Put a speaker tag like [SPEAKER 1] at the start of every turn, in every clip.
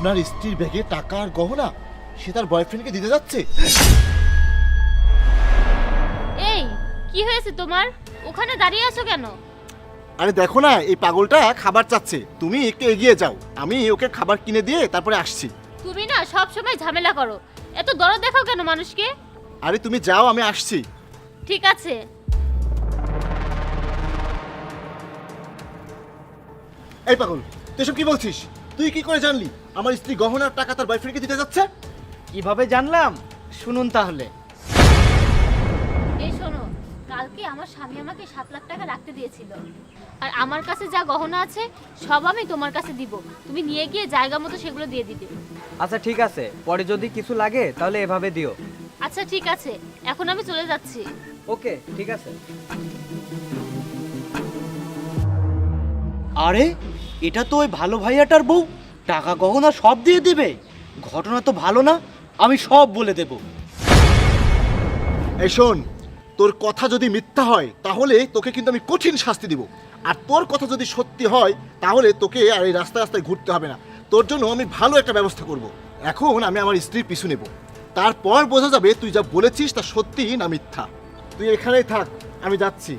[SPEAKER 1] আপনার স্ত্রীর ব্যাগে টাকা আর গহনা সে তার বয়ফ্রেন্ডকে দিতে যাচ্ছে?
[SPEAKER 2] এই কি হয়েছে তোমার? ওখানে দাঁড়িয়ে আছো কেন?
[SPEAKER 1] আরে দেখো না, এই পাগলটা খাবার চাচ্ছে, তুমি একটু এগিয়ে যাও, আমি ওকে খাবার কিনে দিয়ে তারপরে আসছি।
[SPEAKER 2] তুমি না সব সময় ঝামেলা করো, এত দরদ দেখাও কেন মানুষকে?
[SPEAKER 1] আরে তুমি যাও, আমি আসছি।
[SPEAKER 2] ঠিক আছে।
[SPEAKER 1] এই পাগল, তুই এসব কি বলছিস? তুই কি করে জানলি আমার স্ত্রী গহনার টাকা তার বয়ফ্রেন্ডকে দিতে যাচ্ছে?
[SPEAKER 3] কিভাবে জানলাম শুনুন তাহলে।
[SPEAKER 2] এই শোনো, কালকে আমার স্বামী আমাকে 7 লাখ টাকা রাখতে দিয়েছিল, আর আমার কাছে যা গহনা আছে সব আমি তোমার কাছে দিব, তুমি নিয়ে গিয়ে জায়গা মতো সেগুলো দিয়ে দিবে।
[SPEAKER 3] আচ্ছা ঠিক আছে, পরে যদি কিছু লাগে তাহলে এভাবে দিও।
[SPEAKER 2] আচ্ছা ঠিক আছে, এখন আমি চলে যাচ্ছি।
[SPEAKER 3] ওকে ঠিক আছে।
[SPEAKER 4] আরে এটা তো ওই ভালো ভাইয়াটার বউ, টাকা গহনা সব দিয়ে দিবে। ঘটনা তো ভালো না, আমি সব বলে দেব।
[SPEAKER 1] এই শোন, তোর কথা যদি মিথ্যা হয় তাহলে তোকে কিন্তু আমি কঠিন শাস্তি দিব, আর তোর কথা যদি সত্যি হয় তাহলে তোকে আর এই রাস্তায় রাস্তায় ঘুরতে হবে না। তোর জন্য আমি ভালো একটা ব্যবস্থা করব। এখন আমি আমার স্ত্রীর পিছু নেব, তারপর বোঝা যাবে তুই যা বলেছিস তা সত্যি না মিথ্যা। তুই এখানেই থাক, আমি যাচ্ছি।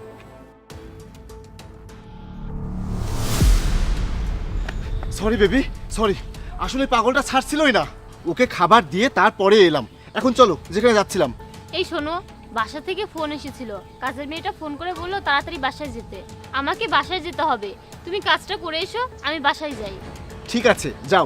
[SPEAKER 1] সরি বেবি, সরি, আসলে পাগলটা ছাড়ছিলই না, ওকে খাবার দিয়ে তারপরে এলাম। এখন চলো যেখানে যাচ্ছিলাম।
[SPEAKER 2] এই শোনো, বাসা থেকে ফোন এসেছিল, কাজের মেয়েটা ফোন করে বললো তাড়াতাড়ি বাসায় যেতে। আমাকে বাসায় যেতে হবে, তুমি কাজটা করে এসো, আমি বাসায় যাই।
[SPEAKER 1] ঠিক আছে, যাও।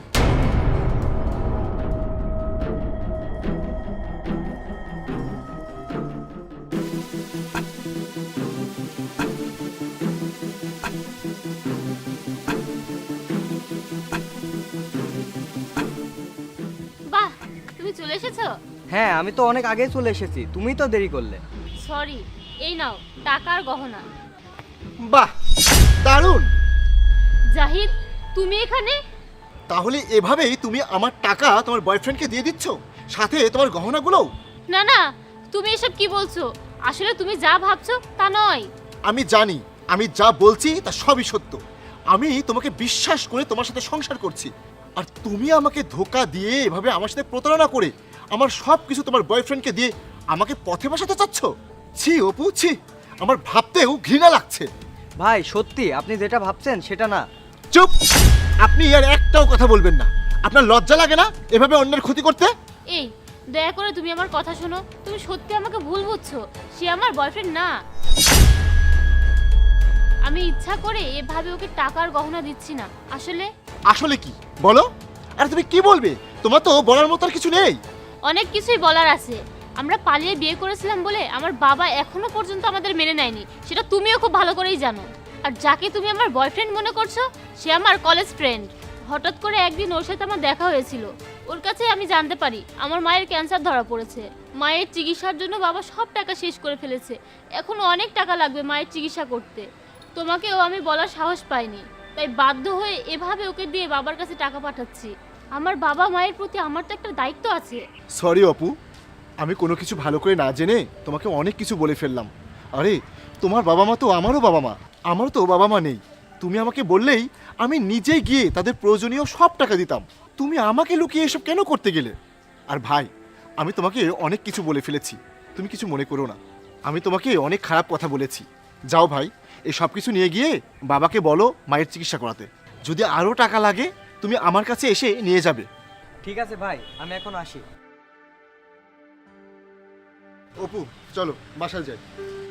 [SPEAKER 2] বাহ, তুমি চলে এসেছো?
[SPEAKER 3] হ্যাঁ আমি তো অনেক আগেই চলে এসেছি, তুমি তো দেরি করলে।
[SPEAKER 2] সরি, এই নাও টাকা আর গহনা।
[SPEAKER 1] বাহ, দারুণ।
[SPEAKER 2] জাহিদ, তুমি এখানে?
[SPEAKER 1] তাহলে এভাবেই তুমি আমার টাকা তোমার বয়ফ্রেন্ডকে দিয়ে দিচ্ছ, সাথে তোমার গহনাগুলোও?
[SPEAKER 2] না না, তুমি এসব কি বলছো? আসলে তুমি যা ভাবছো তা নয়।
[SPEAKER 1] আমি জানি, আমি যা বলছি তা সবই সত্য। আমি তোমাকে বিশ্বাস করে তোমার সাথে সংসার করছি, আর তুমি আমাকে ধোকা দিয়ে এভাবে আমার সাথে প্রতারণা করে আমার সব কিছু তোমার বয়ফ্রেন্ডকে দিয়ে আমাকে পথে বসাতে চাচ্ছ? ছি অপু, ছি, আমার ভাবতেও ঘৃণা লাগছে।
[SPEAKER 3] ভাই সত্যি আপনি যেটা ভাবছেন সেটা না।
[SPEAKER 1] চুপ, আপনি আর একটাও কথা বলবেন না। আপনার লজ্জা লাগে না এভাবে অন্যের ক্ষতি করতে?
[SPEAKER 2] এই, দয়া করে তুমি আমার কথা শোনো, তুমি সত্যি আমাকে ভুল বুঝছো, সে আমার বয়ফ্রেন্ড না। আমি ইচ্ছা করে এভাবে ওকে টাকার গহনা দিচ্ছি না, আসলে
[SPEAKER 1] আসলে কি বলো? আর তুমি কি বলবে? তোমার তো বলার মতো আর কিছু নেই।
[SPEAKER 2] অনেক কিছুই বলার আছে। আমরা পালিয়ে বিয়ে করেছিলাম বলে আমার বাবা এখনো পর্যন্ত আমাদের মেনে নেয়নি, সেটা তুমিও খুব ভালো করেই জানো। আর যাকে তুমি আমার বয়ফ্রেন্ড মনে করছো সে আমার কলেজ ফ্রেন্ড। হঠাৎ করে একদিন ওর সাথে আমার দেখা হয়েছিল, ওর কাছে আমি জানতে পারি আমার মায়ের ক্যান্সার ধরা পড়েছে। মায়ের চিকিৎসার জন্য বাবা সব টাকা শেষ করে ফেলেছে, এখনো অনেক টাকা লাগবে মায়ের চিকিৎসা করতে। তোমাকেও আমি বলার সাহস পাইনি, তাই বাধ্য হয়ে এভাবে ওকে দিয়ে বাবার কাছে টাকা পাঠাচ্ছি। আমার বাবা মায়ের প্রতি আমার তো একটা দায়িত্ব আছে।
[SPEAKER 1] সরি অপু, আমি কোনো কিছু ভালো করে না জেনে তোমাকে অনেক কিছু বলে ফেললাম। আরে তোমার বাবা মা তো আমারও বাবা মা, আমারও তো বাবা মা নেই। তুমি আমাকে বললেই আমি নিজেই গিয়ে তাদের প্রয়োজনীয় সব টাকা দিতাম। তুমি আমাকে লুকিয়ে এসব কেন করতে গেলে? আর ভাই, আমি তোমাকে অনেক কিছু বলে ফেলেছি, তুমি কিছু মনে করো না। আমি তোমাকে অনেক খারাপ কথা বলেছি। যাও ভাই, এই সব কিছু নিয়ে গিয়ে বাবাকে বলো মায়ের চিকিৎসা করাতে। যদি আরও টাকা লাগে তুমি আমার কাছে এসে নিয়ে যাবে।
[SPEAKER 3] ঠিক আছে ভাই, আমি এখন আসি।
[SPEAKER 1] অপু চলো বাসায় যাই।